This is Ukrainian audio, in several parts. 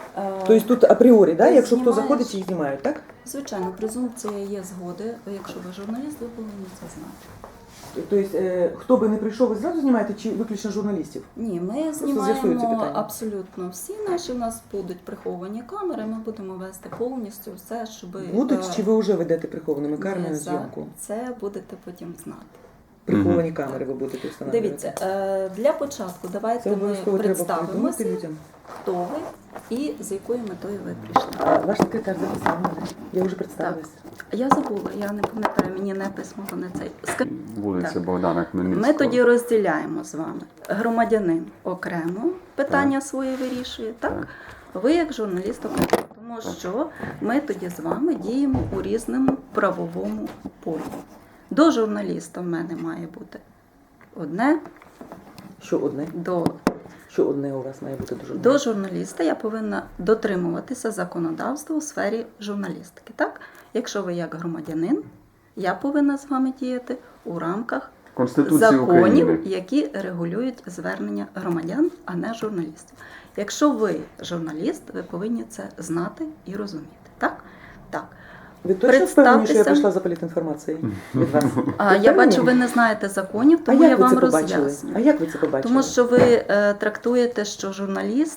Тобто тут апріорі, да? Якщо хто знімаєш. заходить, їх знімають, так? Звичайно, презумпція є згоди. Якщо ви журналіст, ви повинні це знати. Тобто, хто би не прийшов, ви зразу знімаєте, чи виключно журналістів? Ні, ми з'ясується знімаємо питання. абсолютно всі наші, у нас будуть приховані камери, ми будемо вести повністю все, щоб... Будуть, чи ви вже ведете прихованими камерами ми зйомку? Це будете потім знати. Приховані камери ви будете встановлювати? Дивіться, для початку Це давайте ми обов'язково треба представимося, повідомити людям. хто ви і з якою метою ви прийшли. Ваш секретар записав мене. Я вже представилася. Я забула, я не пам'ятаю, мені не письмо, не цей. Вулиця Так. Богдана Хмельницького. Ми тоді розділяємо з вами. Громадянин окремо питання свої вирішує, так? Ви як журналіст окремо. Тому що ми тоді з вами діємо у різному правовому полі. До журналіста в мене має бути одне, Що одне? Що одне у вас має бути до журналіста? До журналіста я повинна дотримуватися законодавства у сфері журналістики. Так? Якщо ви як громадянин, я повинна з вами діяти у рамках Конституції законів, України. які регулюють звернення громадян, а не журналістів. Якщо ви журналіст, ви повинні це знати і розуміти. Так? Так. Ви точно впевнені, що я Представтеся. прийшла за політінформацією від вас? Я бачу, ви не знаєте законів, А тому я як ви вам це побачили? роз'ясню. А як ви це побачили? Тому що ви трактуєте, що журналіст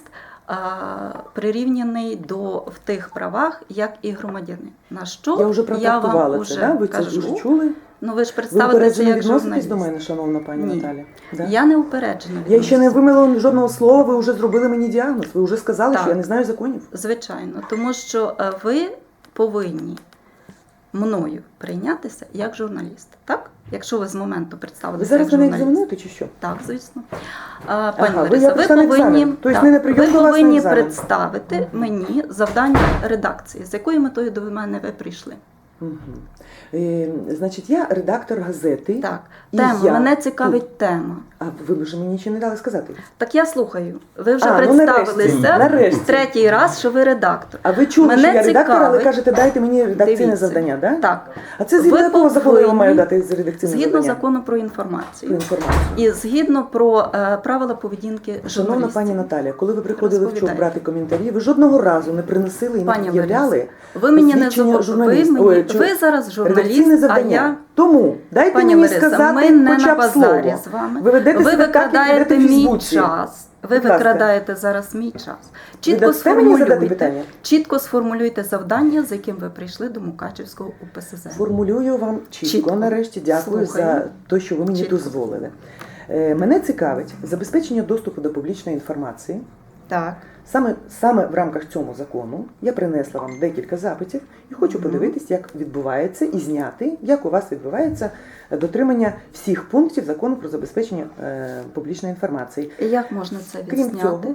прирівняний в тих правах, як і громадянин. На що Я вже вам протрактувала це, уже да? Ви кажу. це вже чули? Ну ви ж Ви представитеся упереджено як відноситесь журналіст. до мене, шановна пані Ні. Наталя? Да? Я не упереджена. Я ще не відношусь. вимила жодного слова, ви вже зробили мені діагноз. Ви вже сказали, Так. що я не знаю законів. Звичайно, тому що ви повинні мною прийнятися як журналіст. Так? Якщо ви з моменту Ви представилися зараз як мене журналіст. екзаменуєте чи що? Так, звісно. Пані ви Лариса, я ви прийшла на екзамен. повинні, Тобто так, не на прийом ви до вас на повинні екзамен. представити мені завдання редакції. З якою метою до мене ви прийшли? Угу. Значить, я редактор газети. Так, І тема, я мене цікавить тема. А ви вже мені нічого не дали сказати. Так я слухаю. Ви вже Ну, представилися нарешті. третій раз, що ви редактор. А ви чули, Мене що я редактор, але цікавить. кажете, дайте мені редакційне Дивіться. завдання, да? Так. А це згідно Ви якого закону я вам маю повинні, дати редакційне Згідно завдання? закону про Про інформацію. інформацію. І згідно про правила поведінки Шановна журналістів. пані Наталя, коли ви приходили вчора Розповідайте. брати коментарі, ви жодного разу не приносили і не Пані пред'являли Ларисо, ви мені не посвідчення ви, журналіста. мені, Ой, ви зараз редакційне журналіст, а завдання. я... Тому дайте Пані мені Лариса, сказати ми не хоча на б базарі слово. з вами. Ви ведете Ви себе так, як викрадаєте ведете в мій Фейсбуці. час. Ви Будь ласка. викрадаєте зараз мій час. дасте мені задати питання? Чітко сформулюйте завдання, з яким ви прийшли до Мукачівського УПСЗ. Формулюю вам чітко. Нарешті дякую Слухаю. за те, що ви мені Чітко. дозволили. Мене цікавить забезпечення доступу до публічної інформації. Так. Саме в рамках цього закону я принесла вам декілька запитів і хочу подивитись, як відбувається і зняти, як у вас відбувається дотримання всіх пунктів закону про забезпечення публічної інформації. І як можна це Крім відзняти? цього,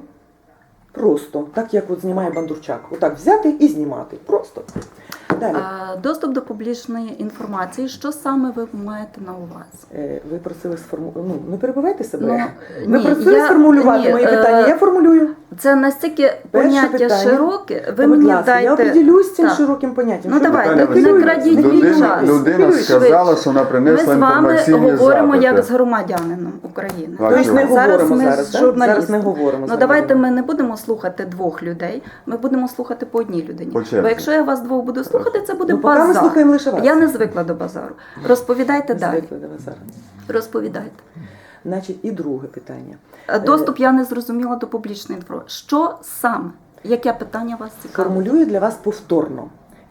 просто, так як от знімає Бондарчук, отак взяти і знімати. Просто. Далі. Доступ до публічної інформації, що саме ви маєте на увазі? Ви просили сформулювати, не перебивайте себе. Ну, Ви ні, просили сформулювати мої питання, я формулюю. Це настільки поняття питання. широке, ви Будь мені ласка, дайте... я определюсь цим Так. широким поняттям. Ну, Що ви давайте, питання не хвилюєте? крадіть мій час. Людина сказала, що вона Ми принесла з вами інформаційні говоримо запити. як з громадянином України. А Тобто чого? не говоримо ми зараз, з так? журналістом. Зараз не говоримо з Ну давайте громадянином. ми не будемо слухати двох людей, ми будемо слухати по одній людині. По черзі. Бо якщо я вас двох буду слухати, це буде Ну, поки ми базар. слухаємо лише вас. Я не звикла до базару. Розповідайте далі. Звикли до вас зараз. Розповідайте. Значить, і друге питання. Доступ я не зрозуміла до публічної інформації. Що саме? Яке питання вас цікавить? Формулюю для вас повторно,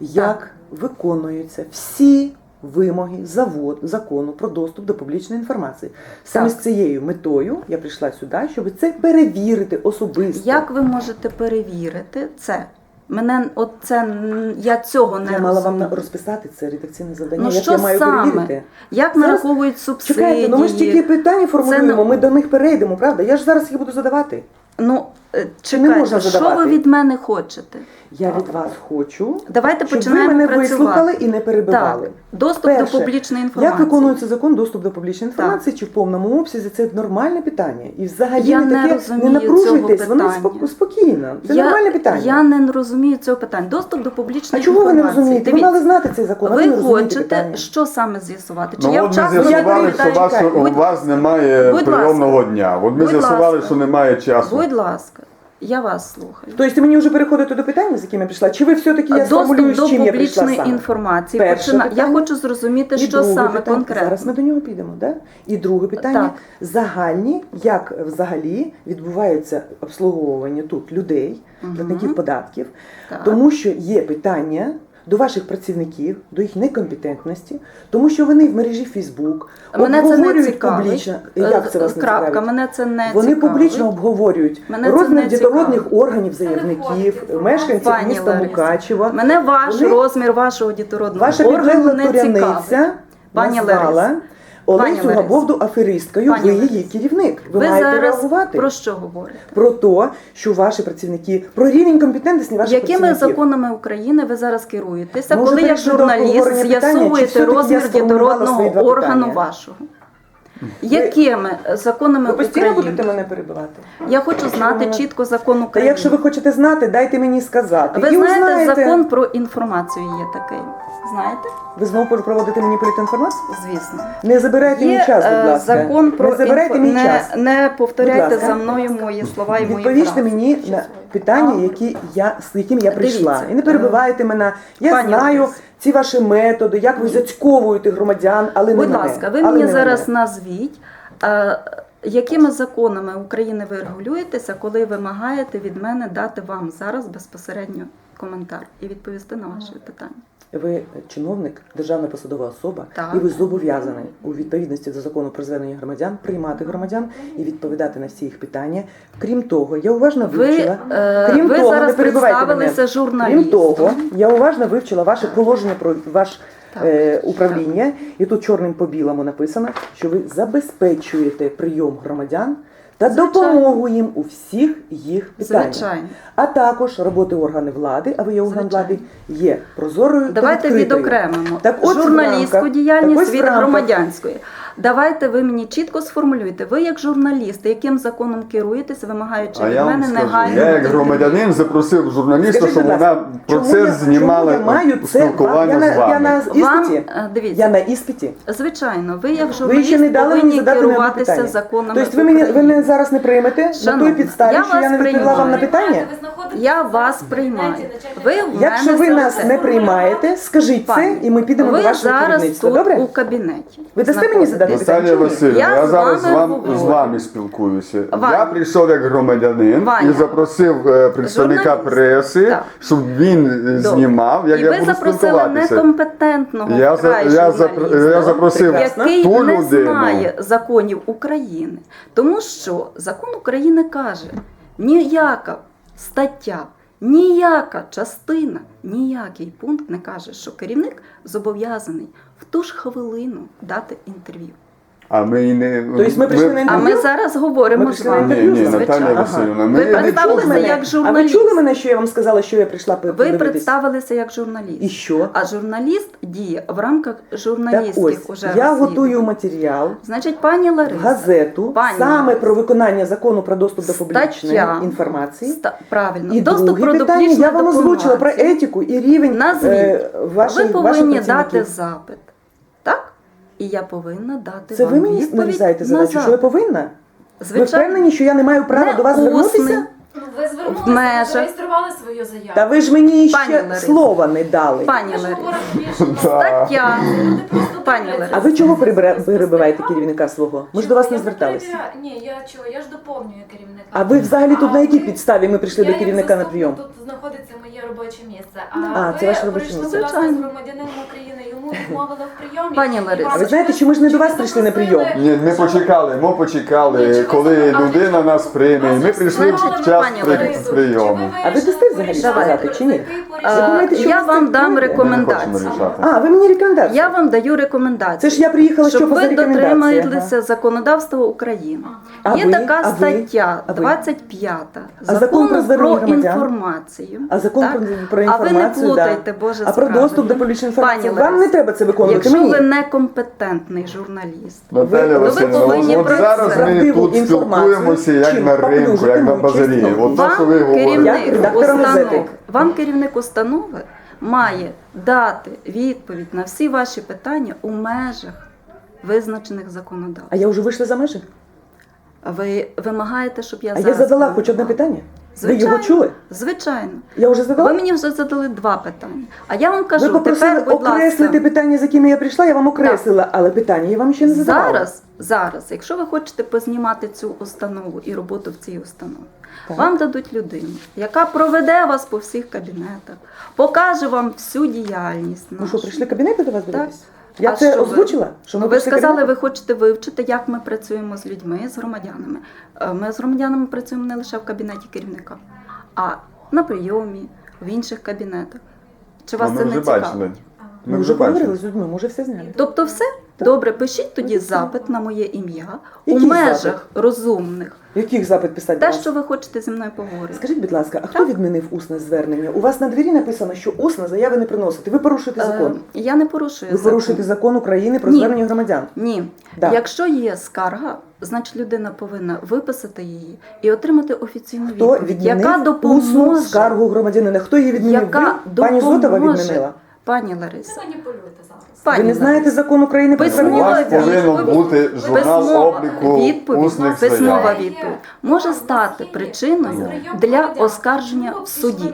як виконуються всі вимоги закону про доступ до публічної інформації. Саме з цією метою я прийшла сюди, щоб це перевірити особисто. Як ви можете перевірити це? Я цього не Я мала розумію. вам розписати це редакційне завдання, Ну як що я маю саме? перевірити. Як Зараз- нараховують субсидії? Чекайте, ну ми ж тільки питання формулюємо, Це ми до них перейдемо, правда? Я ж зараз їх буду задавати. Ну, Чи не можна чекайте, що задавати? ви від мене хочете? Я від вас хочу, Давайте щоб ви починаємо мене працювати. вислухали і не перебивали. Так, доступ Перше, до публічної інформації. Як виконується закон доступ до публічної інформації, чи в повному обсязі, це нормальне питання. І взагалі Я не не таке, розумію не напружуйтесь, цього воно питання. спокійно. Це нормальне питання. Я не розумію цього питання. Доступ до А публічної чого ви не інформації. розумієте? Ви Дивіться, мали знати цей закон, а ви не ви розумієте хочете, питання. що саме з'ясувати? Чи Ну я от ми вчасно з'ясували, відповідаю? що у Будь- вас немає Будь прийомного ласка. дня. От ми Будь з'ясували, ласка. що немає часу. Будь ласка. Я вас слухаю. Тобто мені вже переходити до питання, з яким я прийшла? Чи ви все-таки, я сформулюю, Доступ з чим до я прийшла публічної саме? інформації. Перше Я питання. хочу зрозуміти, І що друге саме питання. конкретно. Зараз ми до нього підемо, да? І друге питання. Так. Загальні, як взагалі відбувається обслуговування тут людей, платників податків, Так. тому що є питання до ваших працівників, до їх некомпетентності, тому що вони в мережі Фейсбук Мене це не обговорюють цікавить. публічно. Як це вас не Крапка, цікавить? мене це не Вони цікавить. публічно обговорюють Мене це розмір не дітородних цікавить. органів заявників, мешканців Пані міста Лариса, Мукачева. Мене Вони- розмір вашого дітородного Ваша органу підлегла не цікавить. туряниця Пані назвала Лариса. Олесю Лариса. Габовду аферисткою, Пані ви Лариса. її керівник. Ви, Ви маєте зараз реагувати. про що говорите? Про те, що ваші працівники, про рівень компетентності ваших Якими працівників. законами України ви зараз керуєтеся, Може, коли як перейшли до журналіст обговорення питання, чи з'ясовуєте все-таки я розмір сформулювала свої дітородного два органу питання? вашого? Якими законами Ви постійно України? будете мене перебивати? Я хочу знати Чому? чітко закон Та України. якщо ви хочете знати, дайте мені сказати. Ви І знаєте, узнаєте. закон про інформацію є такий. Знаєте? Ви знову проводите мені політінформацію? Звісно. Не забирайте мій час, будь ласка. Закон про Не забирайте мій час. Не повторяйте Будь ласка. за мною мої слова і мої Відповісте фрази. мені на питання, з яким я прийшла. Дивіться, І не перебивайте мене. Я пані знаю Лариса. ці ваші методи, як ви зацьковуєте громадян, але не Будь мене. ласка, ви Але мені не зараз мене. назвіть, якими законами України ви регулюєтеся, коли вимагаєте від мене дати вам зараз безпосередньо коментар і відповісти на ваші питання. Ви чиновник, державна посадова особа, Так. і ви зобов'язані у відповідності до закону про звернення громадян приймати громадян і відповідати на всі їх питання. Крім того, я уважно вивчила. Ви зараз не перебивайте представилися мене. журналістом. Крім того, я уважно вивчила ваше положення про ваш управління, і тут чорним по білому написано, що ви забезпечуєте прийом громадян та Звичайно. допомогу їм у всіх їх питаннях. Звичайно. А також роботи органів влади, а ви є орган Звичайно. влади, є прозорою та Давайте відкритою. відокремимо Так от, в журналістську рамках- діяльність так ось від в рамках- громадянської. Давайте ви мені чітко сформулюєте. Ви як журналіст, яким законом керуєтесь, вимагаючи А від я вам мене скажу, негайно. я як громадянин запросив журналіста, Скажіть, щоб будь ласка, вона чому процес знімала чому я маю це? спілкування я з на вами. іспиті. Вам, дивіться, Я на іспиті. звичайно, ви як Ви журналіст ще не дали мені повинні задати на керуватися питання. законами Тобто ви України. мене зараз не приймете на Шановна, той підставі, я що я вас не відповіла вам на приймаю. питання? Я вас приймаю. Ви в Якщо мене ви нас зараз- не приймаєте, скажіть це, Пані, і ми підемо ви до вашого зараз керівництва. тут Добре? у кабінеті. Ви дасте мені задати знаходитесь. питання? Наталія чому ні? Васильівна, Я я з зараз вами говорю. з вами спілкуюся. Ваня. Я прийшов як громадянин Ваня. і запросив представника Журналіст. преси, Так. щоб він знімав, як І я ви буду запросили спілкуватися. некомпетентного Я вкрай я журналіста, запросив який ту не людину. знає законів України. Тому що закон України каже, ніяка стаття, ніяка частина, ніякий пункт не каже, що керівник зобов'язаний в ту ж хвилину дати інтерв'ю. А ми і не... Тобто ми прийшли на А інтерв'ю? ми зараз говоримо Ми з прийшли на вами. Ні, інтерв'ю, ні, звичайно. Наталія Ага. Васильівна, Ви ми не представилися чули. як А ви журналіст. чули мене, що я вам сказала, що я прийшла Ви подивитись? представилися як журналіст. І що? А журналіст діє в рамках Так журналістських ось, уже я розслідувань. готую матеріал Значить, пані в Лариса, газету Пані саме Лариса. про виконання закону про доступ до публічної Стаття. інформації. Правильно, І доступ друге про питання, публічну я вам озвучила про документацію. етику і рівень Назвіть. ваших Ви повинні дати працівників. запит, так? І я повинна дати Це вам ви мені відповідь нарізаєте на задачу, що я запит. повинна? Ви Звичайно. впевнені, що я не маю права Не до вас усне. звернутися? Ну, ви звернулися, В межах. ви зареєстрували свою заяву. Та ви ж мені Пані ще Лариса. слова не дали. Пані Ми ж Лариса, говоримо більше. стаття. Люди просто Пані дивляться. Лариса. А ви чого перебиваєте керівника свого? Ми ж до вас не зверталися. Ні, я ж доповнюю керівника. А ви взагалі тут на якій ви- підставі ми прийшли Я до як керівника на заступник, прийом? Тут знаходиться моє робоче місце. А, це ваше робоче прийшли місце. до вас Звичайно. з громадянином України, йому відмовили в прийомі. Пані Лариса. А ви знаєте, що ми ж не до вас прийшли на прийом? Ні, ми почекали, коли людина нас прийме. І ми прийшли в час прийому. А ви дасте взагалі сказати, чи ні? Ви думаєте, що Я ви вам це дам робите? рекомендації. Ми не хочемо рішати. А, ви мені рекомендації? Я вам даю рекомендації. Це ж я приїхала, щоб що ви за рекомендації. дотрималися законодавства України. А Є ви? така А ви? стаття, А ви? 25 А закон про закону звернення про громадян? інформацію. А закон так? про А ви не інформацію, плутайте, да. Боже А про справедливо. доступ до публічної інформації? Пані Вам не Лариса, треба це виконувати Якщо мені. ви некомпетентний журналіст, Наталя ви Васильівна, повинні от про зараз це. ми Правдиву тут інформацію, спілкуємося як чим на ринку, як на поплюжити базарі. чесно. От то, що ви вам говорите. Я редактором газети. вам керівник установи має дати відповідь на всі ваші питання у межах визначених законодавством. А я вже вийшла за межі? Ви вимагаєте, щоб я А зараз я задала хоч одне коментувала? питання? Ви його чули? Звичайно. Я вже задала? Ви мені вже задали 2 питання. А я вам кажу, Ви попросили тепер, будь окреслити ласка, питання, з якими я прийшла, я вам окреслила, але питання я вам ще не задавала. зараз, якщо ви хочете познімати цю установу і роботу в цій установі, Так. вам дадуть людину, яка проведе вас по всіх кабінетах, покаже вам всю діяльність Ну нашу. що, прийшли кабінети до вас Так. дивитись? Я А це що ви? озвучила? Що Ну, ми ви прийшли сказали, кабінети? ви хочете вивчити, як ми працюємо з людьми, з громадянами. Ми з громадянами працюємо не лише в кабінеті керівника, а на прийомі, в інших кабінетах. Чи вас Ми це не вже цікаво? бачили. Ми вже поговорили з людьми, ми вже все зняли. Тобто все? Добре, пишіть тоді запит на моє ім'я у Який межах запит? розумних. Яких запит писати? Те, до вас? що ви хочете зі мною поговорити. Скажіть, будь ласка, а хто відмінив усне звернення? У вас на двері написано, що усне заяви не приносите. Ви порушуєте закон. Я не порушую Ви закон. порушуєте закон України про Ні. звернення громадян. Ні. Да. Якщо є скарга, значить людина повинна виписати її і отримати офіційну Хто відповідь, яка відмінив усну допоможе. скаргу громадянина? Хто її відмінив? Яка Ви? Пані Зотова допоможе. відмінила. Пані Не Лариса. маніпулюйте зараз. Пані Ви не знаєте Лариса. закон України про У Письмова звернення? вас повинен відповідь. бути журнал Письмова обліку відповідь, усних письмова заяв. відповідь може стати причиною для оскарження в суді.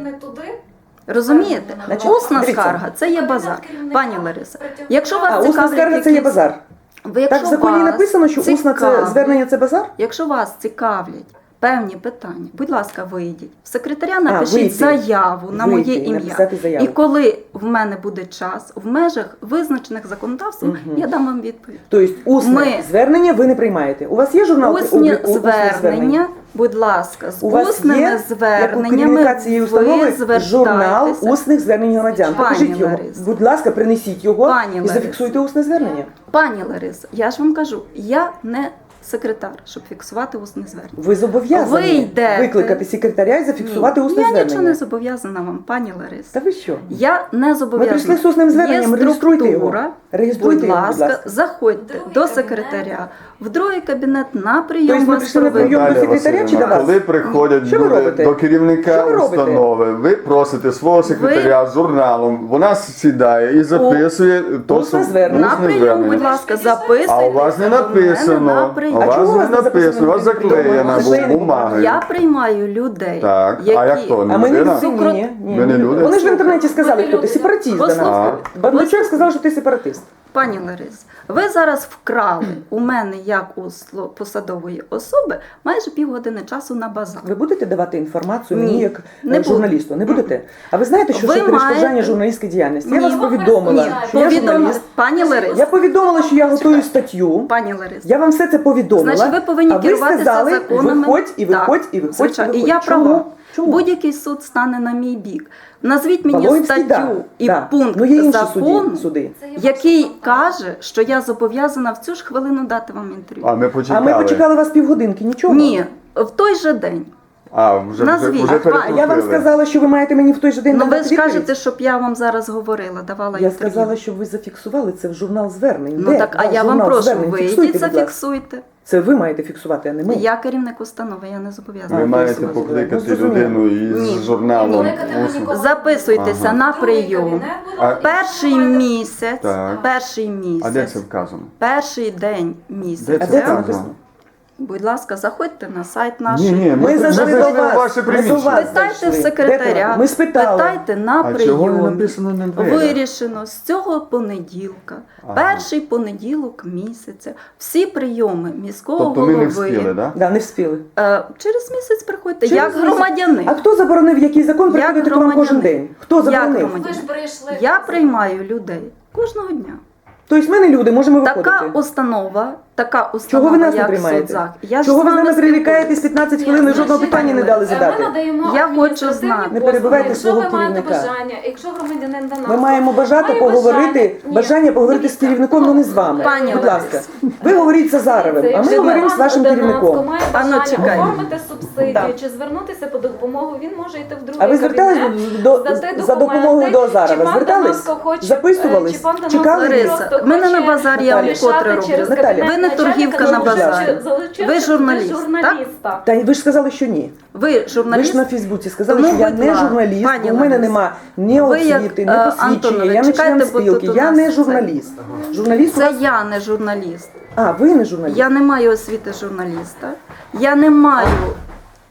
Розумієте? Значить, Усна дивіться. скарга це є базар. Пані Лариса, якщо вас А усна цікавлять скарга це є якісь- базар. Ви, якщо Так в законі вас написано, що усна це цікавлять- звернення це базар? Якщо вас цікавлять певні питання, будь ласка, вийдіть. В секретаря напишіть вийти. заяву на Вийти моє і ім'я. написати заяву. І коли в мене буде час, в межах визначених законодавством, Мгм. я дам вам відповідь. Тобто усне Ми- звернення ви не приймаєте. У вас є журнал Усні обліку усних звернення, будь ласка, з У вас усними є, як у зверненнями керівника цієї ви установи, журнал звертайтеся. усних звернень громадян. Пані Покажіть його. Ларисо. Будь ласка, принесіть його Пані і Ларисо. зафіксуйте усне звернення. Пані Ларисо, я ж вам кажу, я не секретар, щоб фіксувати усне звернення. Ви зобов'язані Ви йдете. викликати секретаря і зафіксувати Ні, усне я звернення. нічого не зобов'язана вам, пані Ларисо. Та ви що? Я не Ми зобов'язана. прийшли з усним зверненням, Є реєструйте його. структура. Реєструйте Будь його, ласка, заходьте Другий до кабінет. секретаря, в другий кабінет на прийом Тобто ми вас прийшли на проведуть. прийом до Наталія секретаря чи до Василівна, вас? коли приходять Що ви люди робите? до керівника Що ви робите? установи, ви просите свого секретаря з журналом, вона сідає і записує то усне звернення. На усне прийом, звернення. будь ласка, записуйте. А у вас не до мене написано. на У прийом. А вас чому у не вас не написано, у вас записано? заклеєна Заклеєна бумагою. Я приймаю людей, Так, які... а як то? А ми не людина? всі, ні. Ви не люди? Вони ж в інтернеті сказали, хто ти сепаратист. до нас. Послухайте. Бандучок сказав, що ти сепаратист. Пані Ларис, ви зараз вкрали у мене, як у посадової особи, майже півгодини часу на базар. Ви будете давати інформацію Ні, мені як не буду. журналісту? Не будете? А ви знаєте, що Ви це перешкоджання маєте- журналістської діяльності? Я Ні. вас повідомила, Ні. що я Повідомили. журналіст. Пані Ларис, Я повідомила, що я готую статтю. пані Ларис, Я вам все це повідомила. значить, ви повинні а ви керуватися сказали, законами. виходь і виходь, Так, і виходь, звичайно. і І виходь. я Чому? права. Чому? Будь-який суд стане на мій бік. Назвіть мені Павловський, статтю і да. пункт Ну, є інші закону, суди. Це є який ваша справа. каже, що я зобов'язана в цю ж хвилину дати вам інтерв'ю. А ми А почекали. ми почекали вас півгодинки, нічого? Ні, в той же день. А, вже Назвіть. вже А, А я вам перекрутили. сказала, що ви маєте мені в той же день Ну ви надати ж відповідь. кажете, щоб я вам зараз говорила, давала Я інтерв'ю. сказала, щоб ви зафіксували це в журнал звернень. Ну Де так, а ваш я вам журнал прошу, звернень? Фіксуйте, вийдіть, будь ласка. зафіксуйте. Це ви маєте фіксувати, а не ми. Я керівник установи, я не зобов'язана. Ви маєте фіксувати. покликати Ну, зрозуміло. людину із Ні. журналом. Кликати ми усним. нікого. Записуйтеся Ага. на Другий прийом. кабінет буде, А- і Перший ви маєте- місяць, Так. перший А де місяць, це вказано? перший день Де місяця. А це де це вказано? написано? Будь ласка, заходьте на сайт наш. Ні, ні, Ми зайшли до зайшли в вас. ваше Ми до приміщення. вас. Питайте в зайшли. секретаря, Де ти? Ми спитали. питайте на А чого не прийомі. написано на дверях? Вирішено з цього понеділка, Ага. перший понеділок місяця, всі прийоми міського Тобто ми голови. не встигли, так? Да, не вспіли. Через місяць приходьте, Через як місяць. громадянин. А хто заборонив, який закон Як приходити до вам кожен громадянин. день? Хто Як заборонив? громадянин? Ви ж прийшли. Я приймаю людей кожного дня. Тобто ми не люди, можемо виходити. Така установа, Чого ви нас не як приймаєте? соцзах. Я ж Чого з ви з вами нами прирікаєтесь спілкуюсь. 15 Ні, хвилин і жодного значить, питання не дали задати? Ми надаємо Я хочу адміністративні знати. Не послуги. перебивайте Якщо свого ви маєте керівника. бажання, якщо громадянин до нас, Ми маємо бажати має поговорити, Ні, бажання поговорити з дивіться, керівником, але не з вами. Пані Будь Ларисо. ласка, ви говоріть з Зазаровим, а ми Якщо говоримо з вашим Донецько керівником. має А ну, бажання чекай. оформити субсидію Так. чи звернутися по допомогу, він може йти в другий А ви звертались кабінет, здати за допомогою до документи, Азарова? чи пан Звертались? Донецько хоче, Записувались? чи пан Донецько Чекали? Лариса, просто в мене на хоче базарі я вам Наталя. вкотре рішати через роблю. Наталя. кабінет Ви не начальника, торгівка на базарі. залучивши Ви журналіст, журналіста. Та ви ж сказали, що ні. Ви Ви журналіст? ж на Фейсбуці сказали, Тому, що я будь не ласка, журналіст, пані у мене Лариса, нема ні ви як, освіти, ні посвідчення, Антонович, я не член чекайте, бо спілки, тут у я нас не це- журналіст. Журналіст у Це вас... я не журналіст. А, ви не журналіст. Я не маю освіти журналіста. Я не маю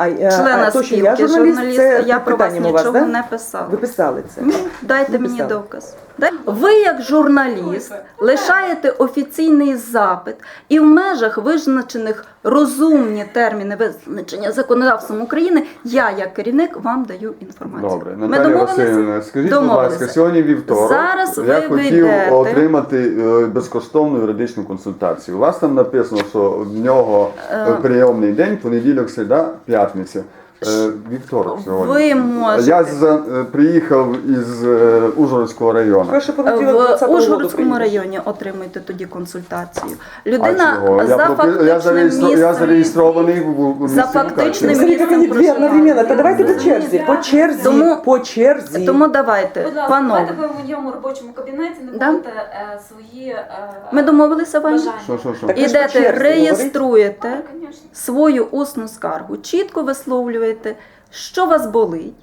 члена то, що я спілки журналіст, журналіста, це я про вас питанням у вас, нічого да? не писала. Ви писали це? Ні, дайте мені Написали. доказ. Ви, як журналіст, лишаєте офіційний запит і в межах визначених розумні терміни визначення законодавством України, я, як керівник, вам даю інформацію. Добре, Ми Наталія домовилися? Васильівна, скажіть, будь Домовилися. ласка, сьогодні вівторок. Зараз я ви хотів вийдете. отримати безкоштовну юридичну консультацію. У вас там написано, що в нього прийомний день, понеділок, середа, п'ятниця. Вівторок сьогодні. Ви можете. Я приїхав із Ужгородського району. Перше понеділок 20-го В року Ужгородському приїдеш. районі отримуйте тоді консультацію. А Людина чого? за фактичним Я місцем. зареєстрований в місті За фактичним Мукачево. Смотри, как они две проживання. одновременно. То давайте по черзі, по черзі, Тому- по черзі. Тому давайте, Будь ласка, панове. давайте ви в моєму робочому кабінеті не Да? будете свої Ми домовилися, Ваня? Що? Так ви ж по Ідете, черзі реєструєте Так, звісно. свою усну скаргу, чітко висловлюєте, що вас болить,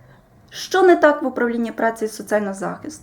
що не так в управлінні праці і соціального захисту,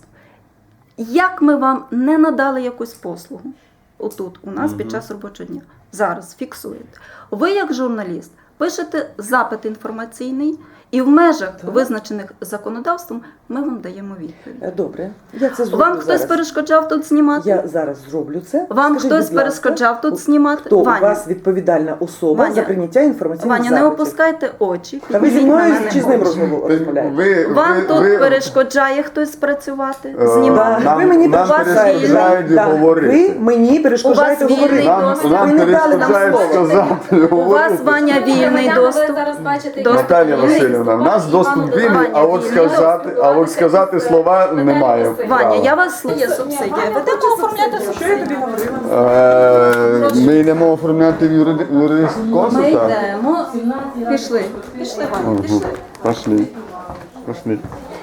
як ми вам не надали якусь послугу отут у нас під час робочого дня. Зараз фіксуєте. Ви, як журналіст, пишете запит інформаційний, і в межах, визначених законодавством, ми вам даємо відповідь. Добре, я це зроблю Вам хтось зараз. перешкоджав тут знімати? Я зараз зроблю це. Вам Скажіть, хтось будь ласка, перешкоджав тут знімати? Хто у Ваня. вас відповідальна особа Ваня. за прийняття інформаційних Ваня, не запитів? опускайте очі. Та ви зі підніміть на мною мене чи з ним очі. розмовляєте? Вам тут перешкоджає хтось працювати, Да, знімати? ви мені нам перешкоджаєте перешкоджають говорити. Ви мені перешкоджаєте У вас говорити. вільний доступ. Ви Нам не дали нам перешкоджають слово. сказати. У вас, Ваня, вільний Громадяни, доступ. Ви зараз бачите, Доступ. Наталія Васильівна, в нас доступ вільний, а от сказати слова немає. Ваня, я вас слухаю субсидія. Ви будете оформляти Що я субсидію? тобі говорила? Ми йдемо оформляти юридичну Ми консульта. йдемо. Пішли. Пішли, Ваня, пішли. Пошли. Пошли.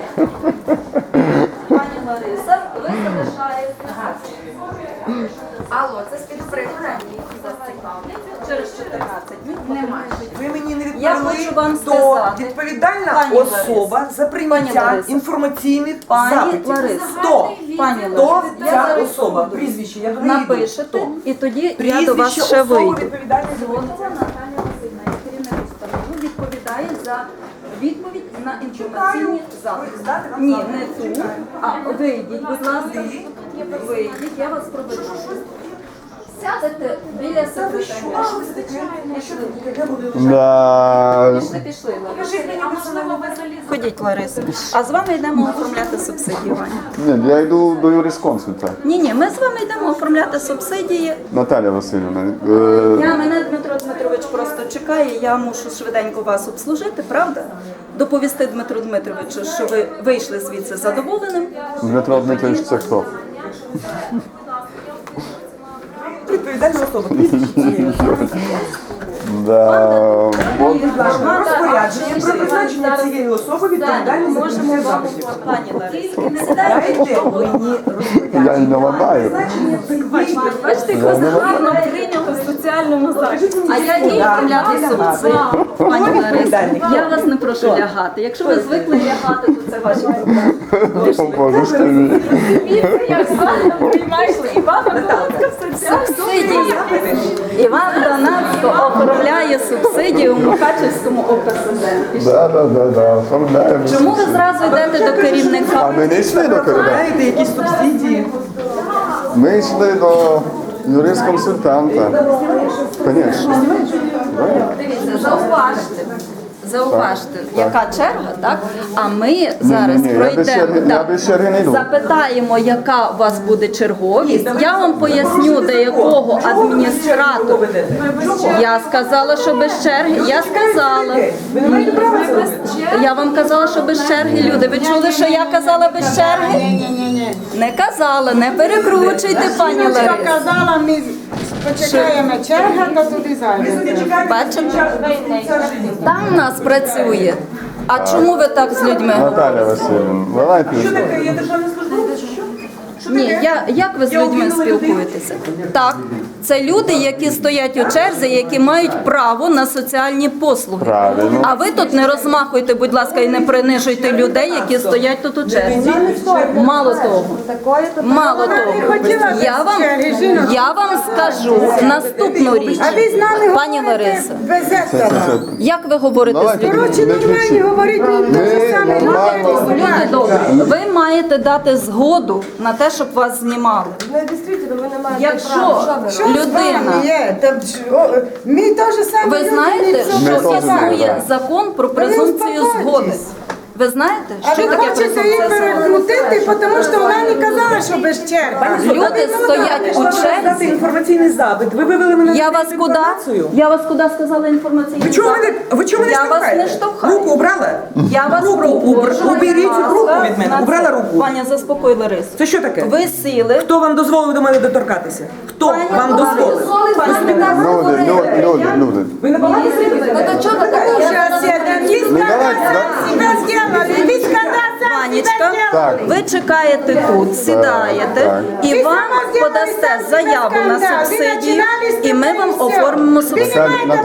Пані Лариса, ви залишаєте. Алло, це співприкрення. Через 14 днів. Немає. Ви мені не Я відповіли, хочу вам хто сказати. відповідальна Пані особа Лариса. за Пані прийняття Лариса. інформаційних Пані запитів. Лариса. Хто? Пані Хто Лариса, я ця зараз особа? Прізвище, я до неї йду. напишете, Хто? і тоді я Прізвище до вас ще особи вийду. відповідальної за Золотова прийняття. Наталія Васильівна, як керівник установи, відповідає за відповідь на інформаційні запити. Ні, не ту, а вийдіть, будь ласка. Вийдіть, я вас проведу. Сядете біля секретаря. Да. Пішли, Лариса. Ходіть, Лариса. А з вами йдемо оформляти субсидії, Ваня. Ні, я йду до юрисконсульта. Ні, ми з вами йдемо оформляти субсидії. Наталія Васильівна, Мене Дмитро Дмитрович просто чекає, я мушу швиденько вас обслужити, правда? Доповісти Дмитру Дмитровичу, що ви вийшли звідси задоволеним. Дмитро Дмитрович, це хто? Відповідальна особа. Прізвище цієї особи. Да. От Розпорядження про призначення цієї особи відповідальної за прийняття запитів. Пані Ларисо, Дайте мені розпорядження. я й не ладаю. Бачите, як вас гарно прийняли в соціальному захисті. а я їй оформляти субсидії. Пані Лариса, відповідальний? я вас не прошу лягати. Якщо ви звикли лягати, то це ваші проблеми. О, Боже ж ти мій. Дивіться, як гарно приймаєш Івана Колодка в соціальному. Субсидії. Іван Донацько оформляє субсидії у Мукачевському ОПСЗ. Да, оформляємо. Чому ви зразу йдете до керівника? А ми не йшли до керівника. Знаєте, якісь субсидії? Ми йшли до юрисконсультанта. Звісно. Дивіться, зауважте, яка черга, так? А ми зараз ні, пройдемо, я без черги не йду. запитаємо, яка у вас буде черговість. Я вам поясню, до якого адміністратору. Я сказала, що без черги. Я сказала. Ви не маєте права це робити. Я вам казала, що без черги. Люди, ви чули, що я казала без черги? Ні. Не казала, не перекручуйте, пані Жіночка Ларисо. казала, ми почекаємо черга, то туди зайдемо. Бачите? Там в нас працює. А чому ви так з людьми говорите? Наталя Васильівна, давайте. Що таке? Я державний службовець? Що? Що Ні, таке? як ви з Я людьми обмінула людину. спілкуєтеся? Так, Це люди, які стоять у черзі, які мають право на соціальні послуги. Правильно. А ви тут не розмахуйте, будь ласка, і не принижуйте людей, які стоять тут у черзі. Мало того, я вам скажу наступну річ, А ви з нами пані Лариса. без этого. Як ви говорите з Давайте. людьми? Коротше, нормальні говорить, не те саме. Люди добрі, ви маєте дати згоду на те, щоб вас знімали. Якщо Що з вами людина, є? Ми теж саме ви люди, знаєте, ми що теж існує знаємо. закон про Ви презумпцію успокойтесь. згоди. Ви знаєте, А що ви таке хочете її презумпція згоди? перекрутити, тому що вона не казала, що без черги. Люди стоять у Дати черзі. інформаційний запит. Ви вивели мене Я на вас куди? інформацію. Я вас куди сказала інформаційний Ви чого мене, запит? ви чого мене Я вас штовхаєте? не штовхаю. Руку обрала? Я вас Руку, прошу, уберіть будь руку ласка, від мене. на Убрала це. руку. Паня, заспокой Ларису. Це що таке? Ви сіли. Хто вам дозволив до мене доторкатися? Хто вам дозволив? Люди. Ви на балансі? Сейчас я себя сделали, вы когда сам Панічка, себя Так. ви чекаєте тут, сідаєте, так. і вам подасте заяву на субсидію, і ми вам оформимо субсидію. Наталя,